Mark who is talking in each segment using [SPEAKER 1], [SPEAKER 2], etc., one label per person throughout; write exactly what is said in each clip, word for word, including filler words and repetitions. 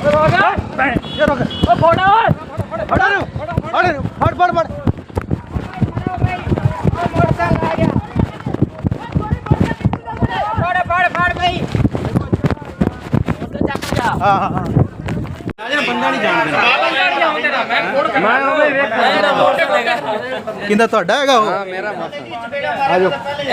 [SPEAKER 1] हाँ हाँ हाँ बंदा नहीं जानते किंदा ਤੁਹਾਡਾ ਹੈਗਾ ਉਹ ਹਾਂ ਮੇਰਾ ਮੋਟਰਸਾਈਕਲ ਆ ਜਾਓ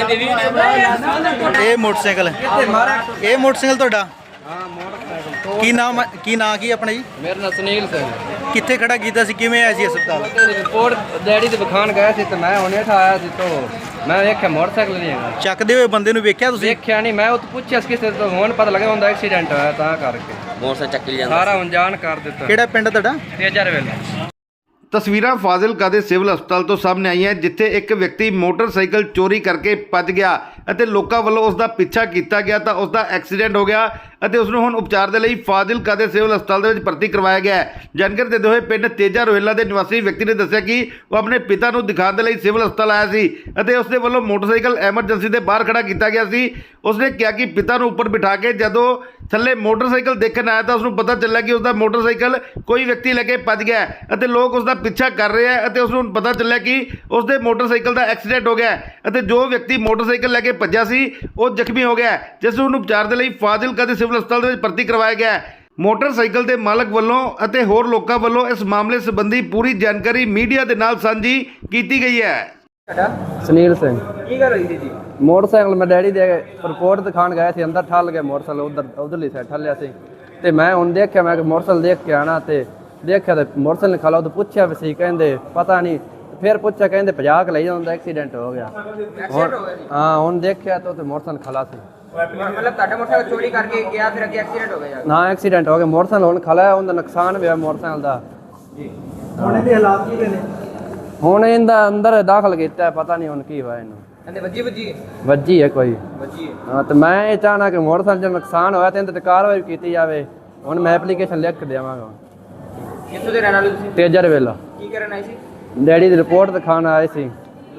[SPEAKER 1] ਇਹ ਮੋਟਰਸਾਈਕਲ ਇਹ ਮੋਟਰਸਾਈਕਲ ਤੁਹਾਡਾ ਹਾਂ ਮੋਟਰਸਾਈਕਲ ਕੀ ਨਾਮ ਕੀ ਨਾਂ ਕੀ ਆਪਣਾ ਜੀ
[SPEAKER 2] ਮੇਰਾ ਨਾਮ ਸੁਨੀਲ ਸਿੰਘ
[SPEAKER 1] ਕਿੱਥੇ ਖੜਾ ਕੀਤਾ ਸੀ ਕਿਵੇਂ ਆਇਆ ਸੀ ਹਸਪਤਾਲ
[SPEAKER 2] ਰਿਪੋਰਟ ਡੈਡੀ ਦੇ ਵਿਖਾਣ ਗਿਆ ਸੀ ਤੇ ਮੈਂ ਹੁਣੇ ਠਾਇਆ ਸੀ ਤੋਂ ਮੈਂ ਵੇਖਿਆ ਮੋਟਰਸਾਈਕਲ ਨਹੀਂ ਹੈਗਾ
[SPEAKER 1] ਚੱਕਦੇ ਹੋਏ ਬੰਦੇ ਨੂੰ ਵੇਖਿਆ ਤੁਸੀਂ
[SPEAKER 2] ਵੇਖਿਆ ਨਹੀਂ ਮੈਂ ਉਹ ਤੋਂ ਪੁੱਛਿਆ ਕਿਸੇ ਤੋਂ ਹੁਣ ਪਤਾ ਲੱਗਾ ਹੁੰਦਾ ਐਕਸੀਡੈਂਟ ਹੋਇਆ ਤਾਂ ਕਰਕੇ
[SPEAKER 3] ਮੋਟਰਸਾਈਕਲ ਚੱਕ ਲਿਆ
[SPEAKER 2] ਸਾਰਾ ਅਣਜਾਣ ਕਰ ਦਿੱਤਾ
[SPEAKER 1] ਕਿਹੜਾ ਪਿੰਡ ਤੁਹਾਡਾ
[SPEAKER 2] ਤੇਜਰ ਵੇਲੇ
[SPEAKER 4] ਤਸਵੀਰਾਂ ਫਾਜ਼ਿਲਕਾ ਦੇ ਸਿਵਲ ਹਸਪਤਾਲ ਤੋਂ ਸਾਹਮਣੇ ਆਈਆਂ ਜਿੱਥੇ ਇੱਕ ਵਿਅਕਤੀ ਮੋਟਰਸਾਈਕਲ ਚੋਰੀ ਕਰਕੇ ਭੱਜ ਗਿਆ ਅਤੇ ਲੋਕਾਂ ਵੱਲੋਂ ਉਸ ਦਾ ਪਿੱਛਾ ਕੀਤਾ ਗਿਆ ਤਾਂ ਉਸ ਦਾ ਐਕਸੀਡੈਂਟ ਹੋ ਗਿਆ ਅਤੇ ਉਸ ਨੂੰ ਹੁਣ ਉਪਚਾਰ ਦੇ ਲਈ ਫਾਜ਼ਿਲਕਾ ਦੇ ਸਿਵਲ ਹਸਪਤਾਲ ਦੇ ਵਿੱਚ ਭਰਤੀ ਕਰਵਾਇਆ ਗਿਆ ਹੈ। ਜਾਣਕਾਰੀ ਦਿੰਦੇ ਹੋਏ ਪਿੰਡ ਤੇਜਾ ਰੋਹਿਲਾ ਦੇ ਨਿਵਾਸੀ ਵਿਅਕਤੀ ਨੇ ਦੱਸਿਆ ਕਿ ਉਹ ਆਪਣੇ ਪਿਤਾ ਨੂੰ ਦਿਖਾਉਣ ਦੇ ਲਈ ਸਿਵਲ ਹਸਪਤਾਲ ਆਇਆ ਸੀ ਅਤੇ ਉਸ ਦੇ ਵੱਲੋਂ ਮੋਟਰਸਾਈਕਲ ਐਮਰਜੈਂਸੀ ਦੇ ਬਾਹਰ ਖੜਾ ਕੀਤਾ ਗਿਆ ਸੀ। ਉਸਨੇ ਕਿਹਾ ਕਿ ਪਿਤਾ ਨੂੰ ਉੱਪਰ ਬਿਠਾ ਕੇ ਜਦੋਂ ਥੱਲੇ ਮੋਟਰਸਾਈਕਲ ਦੇਖਣ ਆਇਆ ਤਾਂ ਉਸ ਨੂੰ ਪਤਾ ਚੱਲਿਆ ਕਿ ਉਸ ਦਾ ਮੋਟਰਸਾਈਕਲ ਕੋਈ ਵਿਅਕਤੀ ਲੈ ਕੇ ਭੱਜ ਗਿਆ ਅਤੇ ਲੋਕ ਉਸ ਦਾ ਪਿੱਛਾ ਕਰ ਰਹੇ ਹੈ ਅਤੇ ਉਸ ਨੂੰ ਪਤਾ ਚੱਲਿਆ ਕਿ ਉਸ ਦੇ ਮੋਟਰਸਾਈਕਲ ਦਾ ਐਕਸੀਡੈਂਟ ਹੋ ਗਿਆ ਅਤੇ ਜੋ ਵਿਅਕਤੀ ਮੋਟਰਸਾਈਕਲ ਲੈ ਕੇ ਭੱਜਿਆ ਸੀ ਉਹ ਜ਼ਖਮੀ ਹੋ ਗਿਆ ਜਿਸ ਨੂੰ ਉਪਚਾਰ ਦੇ ਲਈ ਫਾਜ਼ਿਲਕਾ ਦੇ ਸਿਵਲ ਹਸਪਤਾਲ ਦੇ ਵਿੱਚ ਭਰਤੀ ਕਰਵਾਇਆ ਗਿਆ ਹੈ। ਮੋਟਰਸਾਈਕਲ ਦੇ ਮਾਲਕ ਵੱਲੋਂ ਅਤੇ ਹੋਰ ਲੋਕਾਂ ਵੱਲੋਂ ਇਸ ਮਾਮਲੇ ਸੰਬੰਧੀ ਪੂਰੀ ਜਾਣਕਾਰੀ ਮੀਡੀਆ ਦੇ ਨਾਲ ਸਾਂਝੀ ਕੀਤੀ ਗਈ ਹੈ।
[SPEAKER 2] ਸੁਨੀਲ ਸਿੰਘ ਕੀ ਗੱਲ ਹੋਈ ਸੀ ਜੀ ਮੋਟਰਸਾਈਕਲ ਮੈਂ ਡੈਡੀ ਦੇ ਰਿਪੋਰਟ ਦਿਖਾਣ ਗਿਆ ਸੀ ਅੰਦਰ ਠੱਲ ਗਿਆ ਮੋਟਰਸਾਈਕਲ ਉਧਰ ਉਧਰਲੀ ਸਾਈਡ ਠੱਲਿਆ ਸੀ ਤੇ ਮੈਂ ਹੁਣ ਦੇਖਿਆ ਮੈਂ ਕਿ ਮੋਟਰਸਾਈਕਲ ਦੇਖ ਕੇ ਆਣਾ ਤੇ ਦੇਖਿਆ ਤੇ ਮੋਟਰਸਾਈਕਲ ਖਲਾ ਉਹ ਪੁੱਛਿਆ ਵੀ ਸੀ ਕਹਿੰਦੇ ਪਤਾ ਨਹੀਂ ਫਿਰ ਪੁੱਛਿਆ ਕਹਿੰਦੇ ਪੰਜਾਹ ਕ ਲਈ ਜਾਂਦਾ ਐਕਸੀਡੈਂਟ ਹੋ ਗਿਆ ਹਾਂ ਹੁਣ ਦੇਖਿਆ ਤਾਂ ਤੇ ਮੋਟਰਸਾਈਕਲ ਖਲਾ ਸੀ
[SPEAKER 5] मतलब ਤੁਹਾਡਾ ਮੋਟਰਸਾਈਕਲ ਚੋਰੀ ਕਰਕੇ ਗਿਆ ਫਿਰ ਅੱਗੇ ਐਕਸੀਡੈਂਟ ਹੋ ਗਿਆ
[SPEAKER 2] ਨਾ ਐਕਸੀਡੈਂਟ ਹੋ ਗਿਆ ਮੋਟਰਸਾਈਕਲ ਹੁਣ ਖਲਾ ਉਹਦਾ ਨੁਕਸਾਨ ਹੋਇਆ ਮੋਟਰਸਾਈਕਲ ਦਾ
[SPEAKER 1] ਹੁਣ ਇਹਦੇ ਹਾਲਾਤ ਕੀ ਨੇ
[SPEAKER 2] ਹੁਣ ਇਹਦਾ ਅੰਦਰ ਦਾਖਲ ਕੀਤਾ ਪਤਾ ਨਹੀਂ ਹੁਣ ਕੀ ਹੋਇਆ ਇਹਨੂੰ
[SPEAKER 5] ਕਹਿੰਦੇ ਵੱਜੀ ਵੱਜੀ
[SPEAKER 2] ਵੱਜੀ ਹੈ ਕੋਈ
[SPEAKER 5] ਵੱਜੀ
[SPEAKER 2] ਹਾਂ ਤੇ ਮੈਂ ਇਹ ਚਾਹਨਾ ਕਿ ਮੋਟਰਸਾਈਕਲ ਦਾ ਨੁਕਸਾਨ ਹੋਇਆ ਤੇ ਇਹਦੇ ਤੇ ਕਾਰਵਾਈ ਕੀਤੀ ਜਾਵੇ ਹੁਣ ਮੈਂ ਐਪਲੀਕੇਸ਼ਨ ਲਿਖ ਕੇ ਦੇਵਾਂਗਾ
[SPEAKER 5] ਕਿੱਥੋਂ ਦੇ ਰਹਿਣ ਵਾਲੇ ਤੁਸੀਂ
[SPEAKER 2] ਤੇਜਰ ਵੇਲਾ
[SPEAKER 5] ਕੀ ਕਰਨ ਆਏ ਸੀ
[SPEAKER 2] ਡੈਡੀ ਦੀ ਰਿਪੋਰਟ ਦਿਖਾਣ ਆਏ ਸੀ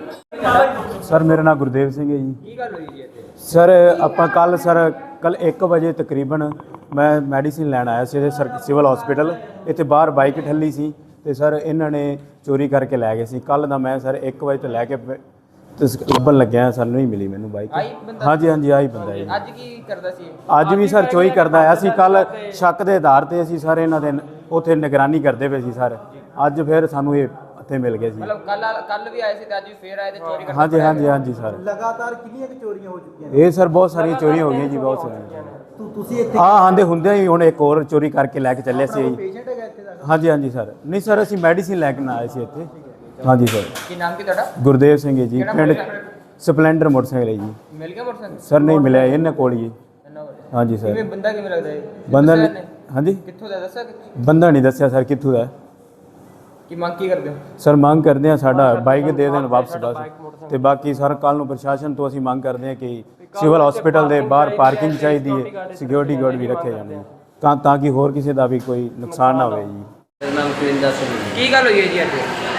[SPEAKER 6] ਸਰ ਮੇਰਾ ਨਾਮ ਗੁਰਦੇਵ ਸਿੰਘ ਹੈ ਜੀ
[SPEAKER 5] ਕੀ ਗੱਲ ਹੋਈ ਜੀ ਇੱਥੇ
[SPEAKER 6] ਸਰ ਆਪਾਂ ਕੱਲ ਸਰ ਕੱਲ ਇੱਕ ਵਜੇ ਤਕਰੀਬਨ ਮੈਂ ਮੈਡੀਸਿਨ ਲੈਣ ਆਇਆ ਸੀ ਇਹਦੇ ਸਰ ਸਿਵਲ ਹਸਪੀਟਲ ਇੱਥੇ ਬਾਹਰ ਬਾਈਕ ਠੱਲੀ ਸੀ ਤੇ ਸਰ ਇਹਨਾਂ ਨੇ ਚੋਰੀ ਕਰਕੇ ਲੈ ਗਏ ਸੀ ਕੱਲ ਦਾ ਮੈਂ ਸਰ ਇੱਕ ਵਜੇ ਤੋਂ ਲੈ ਕੇ ਤੇ ਲੱਭਣ ਲੱਗਿਆ ਸਾਨੂੰ ਨਹੀਂ ਮਿਲੀ ਮੈਨੂੰ ਬਾਈਕ ਹਾਂਜੀ ਹਾਂਜੀ ਆਹੀ ਬੰਦਾ ਜੀ
[SPEAKER 5] ਅੱਜ ਕੀ ਕਰਦਾ ਸੀ
[SPEAKER 6] ਅੱਜ ਵੀ ਸਰ ਚੋਰੀ ਕਰਦਾ ਆਇਆ ਸੀ ਕੱਲ ਸ਼ੱਕ ਦੇ ਆਧਾਰ ਤੇ ਅਸੀਂ ਸਾਰੇ ਇਹਨਾਂ ਦੇ ਉੱਥੇ ਨਿਗਰਾਨੀ ਕਰਦੇ ਪਏ ਸੀ ਸਰ ਅੱਜ ਫਿਰ ਸਾਨੂੰ ਇਹ ਇੱਥੇ ਮਿਲ ਗਿਆ ਸੀ
[SPEAKER 5] ਮਤਲਬ ਕੱਲ ਕੱਲ ਵੀ ਆਏ ਸੀ ਤੇ ਅੱਜ ਵੀ ਫੇਰ ਆਏ ਤੇ ਚੋਰੀ ਕਰਕੇ
[SPEAKER 6] ਹਾਂਜੀ ਹਾਂਜੀ ਹਾਂਜੀ ਸਰ
[SPEAKER 1] ਲਗਾਤਾਰ ਕਿੰਨੀਆਂ ਚੋਰੀਆਂ ਹੋ ਚੁੱਕੀਆਂ
[SPEAKER 6] ਇਹ ਸਰ ਬਹੁਤ ਸਾਰੀਆਂ ਚੋਰੀਆਂ ਹੋ ਗਈਆਂ ਜੀ ਬਹੁਤ ਸਾਰੀਆਂ
[SPEAKER 1] ਤੁਸੀਂ ਇੱਥੇ
[SPEAKER 6] ਹਾਂ ਆਂਦੇ ਹੁੰਦੇ ਹੀ ਹੁਣ ਇੱਕ ਹੋਰ ਚੋਰੀ ਕਰਕੇ ਲੈ ਕੇ ਚੱਲੇ ਸੀ ਜੀ
[SPEAKER 1] ਪੇਸ਼ੈਂਟ ਹੈਗਾ ਇੱਥੇ ਦਾ
[SPEAKER 6] ਹਾਂਜੀ ਹਾਂਜੀ ਸਰ ਨਹੀਂ ਸਰ ਅਸੀਂ ਮੈਡੀਸਿਨ ਲੈ ਕੇ ਨਾ ਆਏ ਸੀ ਇੱਥੇ ਹਾਂਜੀ ਸਰ
[SPEAKER 5] ਕੀ ਨਾਮ ਕੀ ਤੁਹਾਡਾ
[SPEAKER 6] ਗੁਰਦੇਵ ਸਿੰਘ ਹੈ ਜੀ ਪਿੰਡ ਸਪਲੈਂਡਰ ਮੋਟਰਸਾਈਕਲ ਹੈ ਜੀ
[SPEAKER 5] ਮਿਲ ਗਿਆ ਮੋਟਰਸਾਈਕਲ
[SPEAKER 6] ਸਰ ਨਹੀਂ ਮਿਲਿਆ ਇਹਨਾਂ ਕੋਲ ਹੀ
[SPEAKER 5] ਇਹਨਾਂ ਕੋਲ
[SPEAKER 6] ਹਾਂਜੀ ਸਰ
[SPEAKER 5] ਕਿਵੇਂ ਬੰਦਾ ਕਿਵੇਂ ਲੱਗਦਾ ਹੈ
[SPEAKER 6] ਬੰਦਾ ਹਾਂਜੀ
[SPEAKER 5] ਕਿੱਥੋਂ ਦਾ ਦੱਸਿਆ ਕਿ
[SPEAKER 6] ਬੰਦਾ ਨਹੀਂ ਦੱਸਿਆ ਸਰ ਕਿੱਥੋਂ ਦਾ
[SPEAKER 5] ਕੀ ਮੰਗ ਕੀ ਕਰਦੇ ਹੋ
[SPEAKER 6] ਸਰ ਮੰਗ ਕਰਦੇ ਆ ਸਾਡਾ ਬਾਈਕ ਦੇ ਦੇਣ ਵਾਪਸ ਬਸ ਤੇ ਬਾਕੀ ਸਰ ਕੱਲ ਨੂੰ ਪ੍ਰਸ਼ਾਸਨ ਤੋਂ ਅਸੀਂ ਮੰਗ ਕਰਦੇ ਆ ਕਿ ਸਿਵਲ ਹਸਪੀਟਲ ਦੇ ਬਾਹਰ ਪਾਰਕਿੰਗ ਚਾਹੀਦੀ ਹੈ ਸਿਕਿਉਰਿਟੀ ਗਾਰਡ ਵੀ ਰੱਖੇ ਜਾਣ ਤਾਂ ਤਾਂ ਕਿ ਹੋਰ ਕਿਸੇ ਦਾ ਵੀ ਕੋਈ ਨੁਕਸਾਨ ਨਾ ਹੋਵੇ ਜੀ
[SPEAKER 3] ਮੇਰਾ ਨਾਮ ਕਰਿੰਦਾ ਸਿੰਘ
[SPEAKER 5] ਕੀ ਗੱਲ ਹੋਈ ਹੈ ਜੀ ਅੱਜ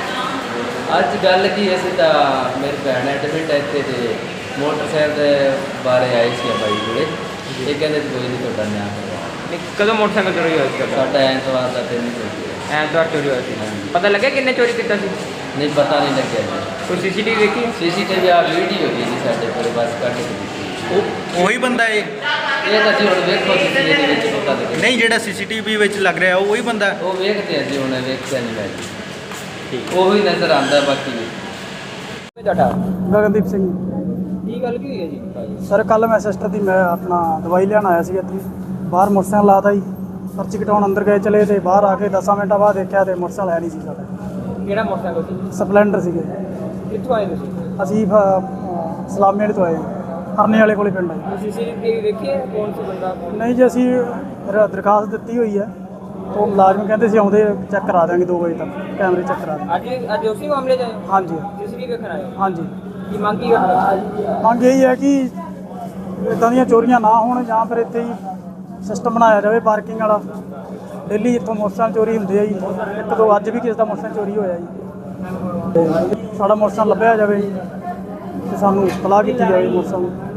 [SPEAKER 3] ਅੱਜ ਗੱਲ ਕੀ ਅਸੀਂ ਤਾਂ ਮੇਰੀ ਭੈਣ ਐਡਮਿਟ ਹੈ ਇੱਥੇ ਤੇ ਮੋਟਰਸਾਈਕਲ ਦੇ ਬਾਰੇ ਆਈ ਸੀ ਬਾਈ ਕੋਲੇ ਇਹ ਕਹਿੰਦੇ ਕੋਈ ਨਹੀਂ ਤੁਹਾਡਾ ਨਿਆਂ ਕਰਵਾ
[SPEAKER 5] ਨਹੀਂ ਕਦੋਂ ਮੋਟਰਸਾਈਕਲ ਚੋਰੀ ਹੋਇਆ ਸੀ
[SPEAKER 3] ਸਾਡਾ ਐਤਵਾਰ ਦਾ ਦਿਨ ਹੀ ਹੋਇਆ
[SPEAKER 5] ਐਤਵਾਰ ਚੋਰੀ ਹੋਇਆ ਸੀ ਪਤਾ ਲੱਗਿਆ ਕਿੰਨੇ ਚੋਰੀ ਕੀਤਾ ਸੀ
[SPEAKER 3] ਨਹੀਂ ਪਤਾ ਨਹੀਂ ਲੱਗਿਆ ਜੀ
[SPEAKER 5] ਕੋਈ ਸੀਸੀਟੀਵੀ ਦੇਖੀ
[SPEAKER 3] ਸੀਸੀਟੀਵੀ ਆ ਵੀਡੀਓ ਜੀ ਜੀ ਸਾਡੇ ਕੋਲ ਬਸ ਕੱਢ ਕੇ ਦਿੱਤੀ
[SPEAKER 1] ਉਹ ਉਹੀ ਬੰਦਾ ਇਹ
[SPEAKER 3] ਇਹ ਤਾਂ ਜੀ ਹੁਣ ਵੇਖੋ ਜੀ ਇਹਦੇ ਵਿੱਚ ਪਤਾ ਲੱਗੇ
[SPEAKER 1] ਨਹੀਂ ਜਿਹੜਾ ਸੀਸੀਟੀਵੀ ਵਿੱਚ ਲੱਗ ਰਿਹਾ ਉਹ ਉਹੀ ਬੰਦਾ
[SPEAKER 3] ਉਹ ਵੇਖਦੇ ਆ ਜੀ ਹੁਣ ਵੇਖਿਆ ਨਹੀਂ ਮੈਂ ਜੀ ਠੀਕ ਉਹੀ ਨਜ਼ਰ ਆਉਂਦਾ ਬਾਕੀ
[SPEAKER 5] ਤੁਹਾਡਾ
[SPEAKER 7] ਗਗਨਦੀਪ ਸਿੰਘ
[SPEAKER 5] ਕੀ ਗੱਲ ਕੀ ਹੋਈ ਹੈ ਜੀ
[SPEAKER 7] ਸਰ ਕੱਲ ਮੈਂ ਸਿਸਟਰ ਦੀ ਮੈਂ ਆਪਣਾ ਦਵਾਈ ਲੈਣ ਆਇਆ ਸੀ ਇੱਥੇ ਬਾਹਰ ਮੋਟਰਸਾਈਕਲ ਲਾਤਾ ਜੀ ਪਰਚੀ ਕਟਾਉਣ ਅੰਦਰ ਗਏ ਚਲੇ ਤੇ ਬਾਹਰ ਆ ਕੇ ਦਸਾਂ ਮਿੰਟਾਂ ਬਾਅਦ ਦੇਖਿਆ ਤੇ ਮੋਟਰਸਾਈਕਲ ਹੈ ਨਹੀਂ ਸੀ ਸਾਡਾ
[SPEAKER 5] ਕਿਹੜਾ ਮੋਟਰਸਾਈਕਲ ਸੀ
[SPEAKER 7] ਸਪਲੈਂਡਰ ਸੀਗੇ
[SPEAKER 5] ਕਿੱਥੋਂ ਆਏ ਤੁਸੀਂ
[SPEAKER 7] ਅਸੀਂ ਫ- ਸਲਾਮੀ ਵਾਲੇ ਤੋਂ ਆਏ ਹਰਨੇ ਵਾਲੇ ਕੋਲੇ ਪਿੰਡ ਹੈ
[SPEAKER 5] ਸੀਸੀਟੀਵੀ ਦੇਖੀ ਹੈ ਕੌਣ ਸੀ ਬੰਦਾ
[SPEAKER 7] ਨਹੀਂ ਜੀ ਅਸੀਂ ਰ- ਦਰਖਾਸਤ ਦਿੱਤੀ ਹੋਈ ਹੈ ਉਹ ਮੁਲਾਜ਼ਮ ਕਹਿੰਦੇ ਸੀ ਆਉਂਦੇ ਚੈੱਕ ਕਰਾ ਦਿਆਂਗੇ ਦੋ ਵਜੇ ਤੱਕ ਕੈਮਰੇ ਚੈੱਕ ਕਰਾ ਦਿਆਂਗੇ
[SPEAKER 5] ਅੱਜ ਅੱਜ ਉਸੇ ਮਾਮਲੇ 'ਚ ਆਏ
[SPEAKER 7] ਹਾਂਜੀ
[SPEAKER 5] ਸੀਸੀਟੀਵੀ ਵੇਖਣ ਆਏ
[SPEAKER 7] ਹਾਂਜੀ
[SPEAKER 5] ਕੀ ਮੰਗ ਕੀ ਕਰਦੇ
[SPEAKER 7] ਮੰਗ ਇਹੀ ਹੈ ਕਿ ਇੱਦਾਂ ਦੀਆਂ ਚੋਰੀਆਂ ਨਾ ਹੋਣ ਜਾਂ ਫਿਰ ਇੱਥੇ ਹੀ ਸਿਸਟਮ ਬਣਾਇਆ ਜਾਵੇ ਪਾਰਕਿੰਗ ਵਾਲਾ ਡੇਲੀ ਇੱਥੋਂ ਮੋਟਰਸਾਈਕਲ ਚੋਰੀ ਹੁੰਦੇ ਆ ਜੀ ਇੱਕ ਦੋ ਅੱਜ ਵੀ ਕਿਸੇ ਦਾ ਮੋਟਰਸਾਈਕਲ ਚੋਰੀ ਹੋਇਆ ਜੀ ਤੇ ਸਾਡਾ ਮੋਟਰਸਾਈਕਲ ਲੱਭਿਆ ਜਾਵੇ ਜੀ ਤੇ ਸਾਨੂੰ ਇਤਲਾਹ ਕੀਤੀ ਜਾਵੇ ਮੋਟਰਸਾਈਕਲ